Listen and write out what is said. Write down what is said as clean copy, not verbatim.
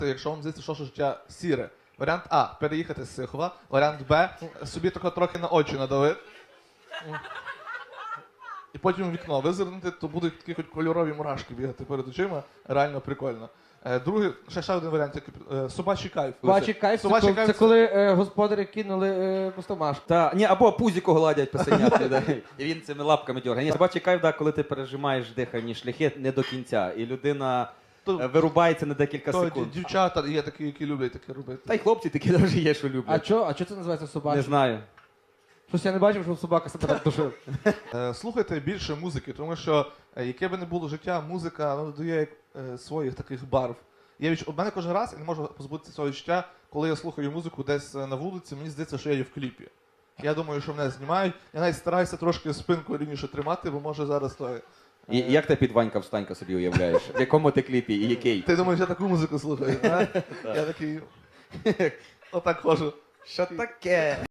якщо вам здається, що життя сіре. Варіант А – переїхати з Сихова. Варіант Б – собі трохи на очі надавити. І потім в вікно визирнути, то будуть такі хоч кольорові мурашки бігати перед очима. Реально прикольно. Другий, ще один варіант, собачий кайф. Собачий кайф, Собачий це коли господарі кинули пустомашку. Ні, або пузіко гладять писанят людей. І він цими лапками дергає. Ні, собачий кайф, коли ти пережимаєш дихальні шляхи не до кінця. І людина вирубається на декілька секунд. Дівчата є такі, які люблять таке робити. Та й хлопці такі теж є, що люблять. А чо це називається собачий? Не знаю. Щось я не бачив, щоб собака себе так душив. Слухайте більше музики, тому що яке би не було життя, музика додає своїх таких барв. У мене кожен раз я не можу позбутися цього відчуття, коли я слухаю музику десь на вулиці, мені здається, що я є в кліпі. Я думаю, що мене знімають. Я навіть стараюся трошки спинку рівніше тримати, бо може зараз то... І як ти під Ванька-встанька собі уявляєш? В якому ти кліпі і який? Ти думаєш, я таку музику слухаю, а? Я такий... Отак ходжу. Що таке?